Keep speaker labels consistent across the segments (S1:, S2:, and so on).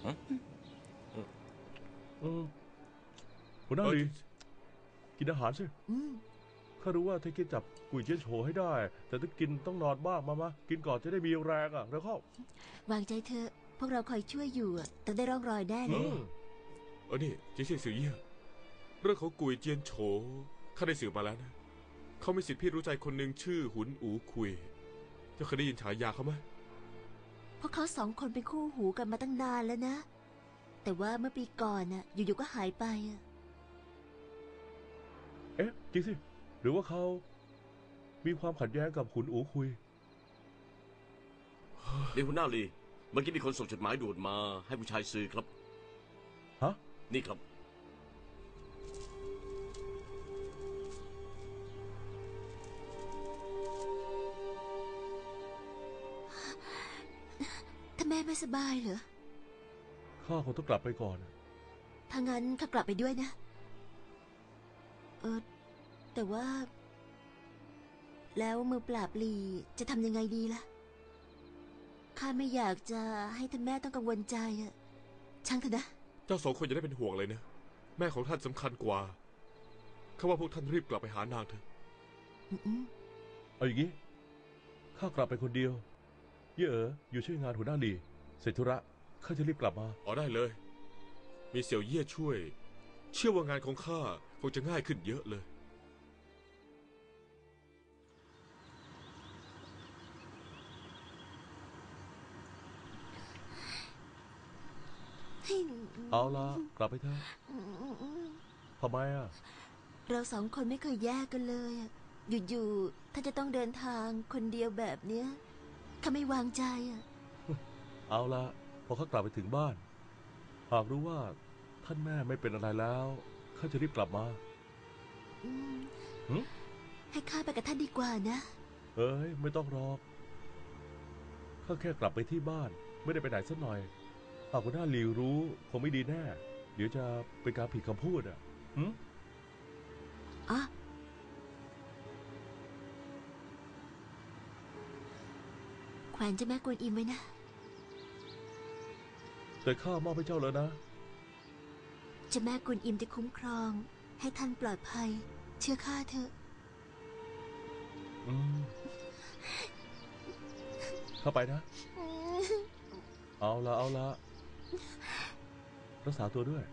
S1: หัวหน้าลีกินอาหารสิข้ารู้ว่าเธอกินจับกุยเจียนโฉให้ได้แต่ถ้ากินต้องนอนบ้างมากินก่อนจะได้มีแรงอ่ะแล้วเข้
S2: าวางใจเธอพวกเราคอยช่วยอยู่ต้องได้ร่องรอยแน่เลย
S3: นี่เจียเซี่ยสื่อเย่เรื่องของกุยเจียนโฉข้าได้สืบมาแล้วนะเขามีสิทธิพี่รู้ใจคนหนึ่งชื่อหุนอูคุยเจ้าเคยได้ยินฉายาเขาไหม
S2: เพราะเขาสองคนเป็นคู่หูกันมาตั้งนานแล้วนะแต่ว่าเมื่อปีก่อนน่ะอยู่ๆก็หายไป
S1: จริงสิหรือว่าเขามีความขัดแย้งกับขุนอูคุย
S4: นี่หัวหน้าลีเมื่อกี้มีคนส่งจดหมายด่วนมาให้ผู้ชายซื้อครับ
S1: ฮะ
S4: นี่ครับ
S2: ถ้าแม่ไม่สบายเหรอ
S1: ข้าคงต้องกลับไปก่อน
S2: ถ้างั้นข้ากลับไปด้วยนะแต่ว่าแล้วมือปราบลีจะทำยังไงดีล่ะข้าไม่อยากจะให้ท่านแม่ต้องกังวลใจช่างเถอะนะ
S3: เจ้าสองคนอย่าได้เป็นห่วงเลยนะแม่ของท่านสำคัญกว่าข้าว่าพวกท่านรีบกลับไปหานางเถอะ
S1: เอาอย่างนี้ข้ากลับไปคนเดียวเย่อยู่ช่วยงานหัวหน้าลีเสร็จธุระข้าจะรีบกลับมา
S3: ได้เลยมีเสี่ยวเย่ช่วยเชื่อว่างานของข้าคงจะง่ายขึ้นเยอะเลย
S1: เอาละกลับไปเถอะทำไม
S2: เราสองคนไม่เคยแยกกันเลยอยู่ๆถ้าจะต้องเดินทางคนเดียวแบบเนี้ยข้าไม่วางใจ
S1: เอาละพอข้ากลับไปถึงบ้านหากรู้ว่าท่านแม่ไม่เป็นอะไรแล้วข้าจะรีบกลับมา
S2: ให้ข้าไปกับท่านดีกว่านะ
S1: ไม่ต้องรอกข้าแค่กลับไปที่บ้านไม่ได้ไปไหนสักหน่อยหากหัวหน้าหลิวรู้คงไม่ดีแน่เดี๋ยวจะเป็นการผิดคำพูด
S2: แขวนเจ้าแม่กวนอิมไว้นะ
S1: แต่ข้ามอบให้เจ้าแล้วนะ
S2: เจ้าแม่กวนอิมจะคุ้มครองให้ท่านปลอดภัยเชื่อข้าเถอะ
S1: เข้าไปนะเอาละรักษาตัวด้วย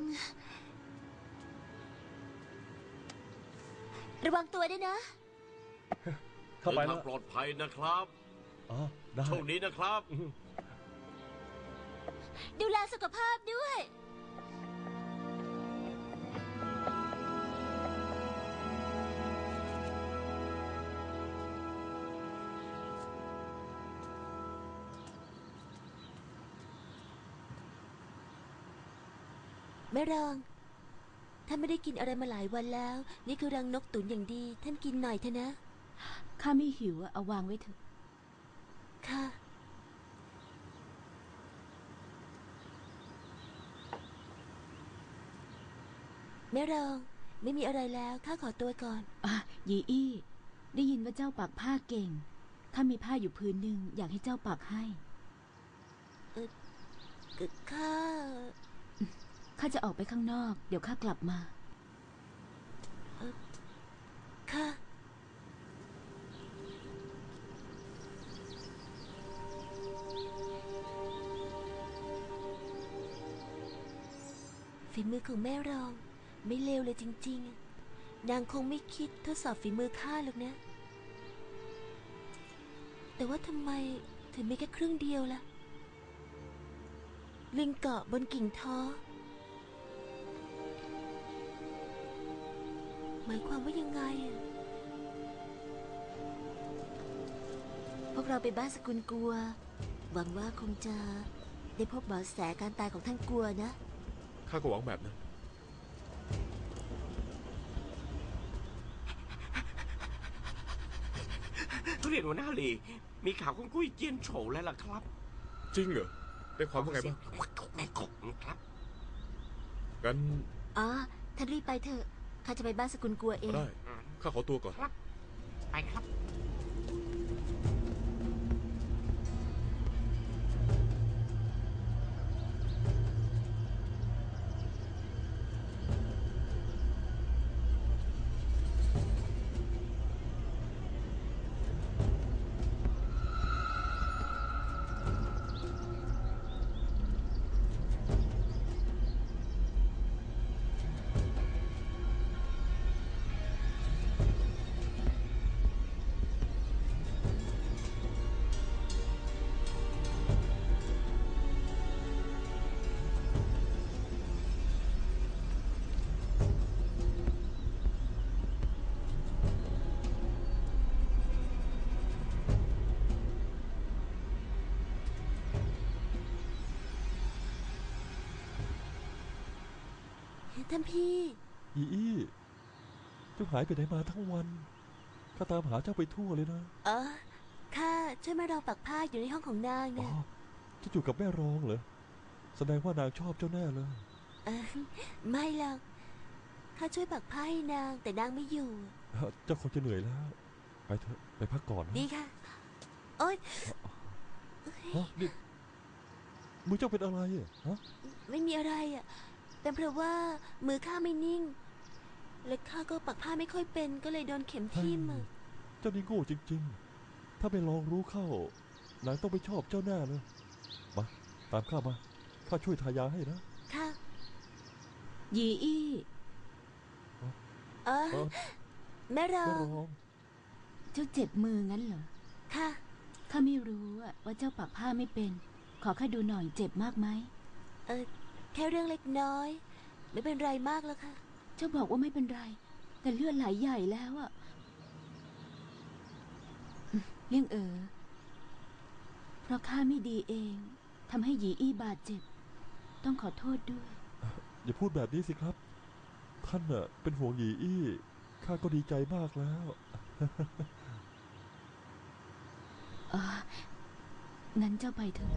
S2: ระวังตัวด้วยนะ
S1: เข้าไปแล้ว
S4: ปลอดภัยนะครับ
S1: ได้
S4: โชคดีนะครับ
S2: ดูแลสุขภาพด้วยแม่รองท่านไม่ได้กินอะไรมาหลายวันแล้วนี่คือรังนกตุ๋นอย่างดีท่านกินหน่อยเถอะนะ
S5: ข้าไม่หิวเอาวางไว้เถอะ
S2: ค่ะแม่รองไม่มีอะไรแล้วข้าขอตัวก่อน
S5: ยีอี้ได้ยินว่าเจ้าปักผ้าเก่งข้ามีผ้าอยู่พื้นหนึ่งอยากให้เจ้าปักให้ข้าจะออกไปข้างนอกเดี๋ยวข้ากลับมา
S2: ค่ะฝีมือของแม่รองไม่เลวเลยจริงๆนางคงไม่คิดทดสอบฝีมือข้าหรอกนะแต่ว่าทำไมถึงมีแค่ครึ่งเดียวล่ะลิงเกาะบนกิ่งท้อหมายความว่ายังไงพวกเราไปบ้านสกุลกัวหวังว่าคงจะได้พบเบาะแสการตายของท่านกัวนะ
S3: ข้าก็หวังแบบนั้น
S4: ทุเรียนหัวหน้าลีมีข่าวของกุ้ยเจียนโฉแล้วล่ะครับ
S3: จริงเหรอได้ความว่าไงบ้าง
S4: แม่กบครับ
S3: งั้น
S2: ท่านรีบไปเถอะข้าจะไปบ้านสกุลกัวเอง
S3: ได้ข้าขอตัวก่อน
S4: ครับไปครับ
S2: ท่านพี่
S6: อีอี้เจ้าหายไปไหนมาทั้งวันข้าตามหาเจ้าไปทั่วเลยนะ
S2: ข้าช่วยแม่รองปักผ้าอยู่ในห้องของนาง
S6: อ๋อ
S2: นะ
S6: เจะอยู่กับแม่รองเหรอแสดงว่านางชอบเจ้าแน่เลย
S2: เออไม่หรอกข้าช่วยปักผ้าให้นางแต่นางไม่อยู่
S6: เจ้าคงจะเหนื่อยแล้ว ไปเถอะไปพักก่อนนะ
S2: ดีค่ะ โอ๊ย
S6: ฮะนี่มือเจ้าเป็นอะไรอ่ะฮะ
S2: ไม่มีอะไรอ่ะเป็นเพราะว่ามือข้าไม่นิ่ง และข้าก็ปักผ้าไม่ค่อยเป็นก็เลยโดนเข็มทิ่มอะ
S6: เจ้านี่โง่จริงๆ ถ้าไม่ลองรู้เข้านางต้องไปชอบเจ้าแน่เลยมาตามข้ามาข้าช่วยทายาให้นะ
S2: ค่ะ
S5: ยีอี้
S2: เออ
S6: เออ
S2: แม่รอ
S6: แม่
S2: ง
S6: รอง
S5: เจ้าเจ็บมืองั้นเหรอ
S2: ค่ะ
S5: ข้าไม่รู้อะว่าเจ้าปักผ้าไม่เป็น ขอข้าดูหน่อยเจ็บมากไหม
S2: แค่เรื่องเล็กน้อย ไม่เป็นไรมากแล้วค่ะ
S5: เจ้าบอกว่าไม่เป็นไร แต่เลือดไหลใหญ่แล้วอะเลี่ยงเพราะข้าไม่ดีเองทำให้หยีอี้บาดเจ็บ ต้องขอโทษด้วย
S6: อย่าพูดแบบนี้สิครับ ท่านน่ะเป็นห่วงหยีอี้ข้าก็ดีใจมากแล้ว
S5: งั้นเจ้าไปเถอะ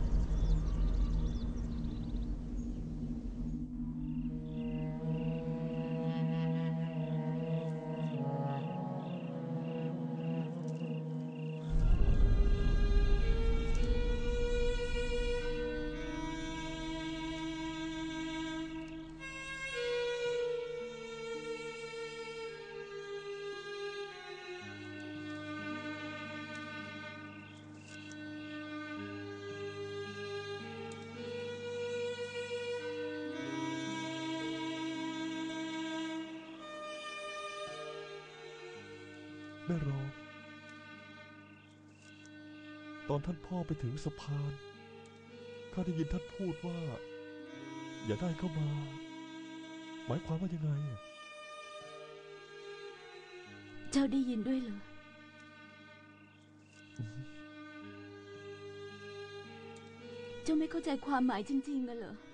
S6: แม่รองตอนท่านพ่อไปถึงสะพานข้าได้ยินท่านพูดว่า อย่าได้เข้ามา หมายความว่ายังไงอะ
S5: เจ้าได้ยินด้วยเหรอ เจ้าไม่เข้าใจความหมายจริงๆกันเหรอ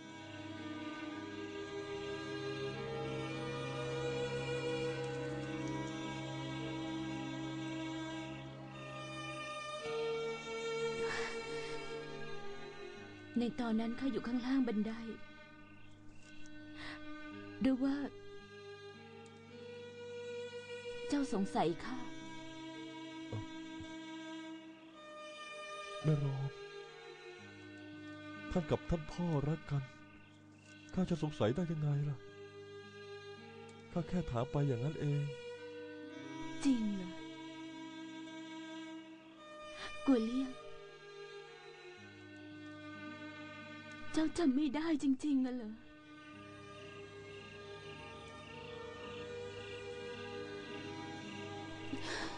S5: ในตอนนั้นข้าอยู่ข้างล่างบันได หรือว่า เจ้าสงสัยข้า
S6: แม่รองท่านกับท่านพ่อรักกันข้าจะสงสัยได้ยังไงล่ะข้าแค่ถามไปอย่างนั้นเอง
S5: จริงเหรอ กัวเลี่ยง เจ้าจำไม่ได้จริงๆอะเหรอ
S6: ไ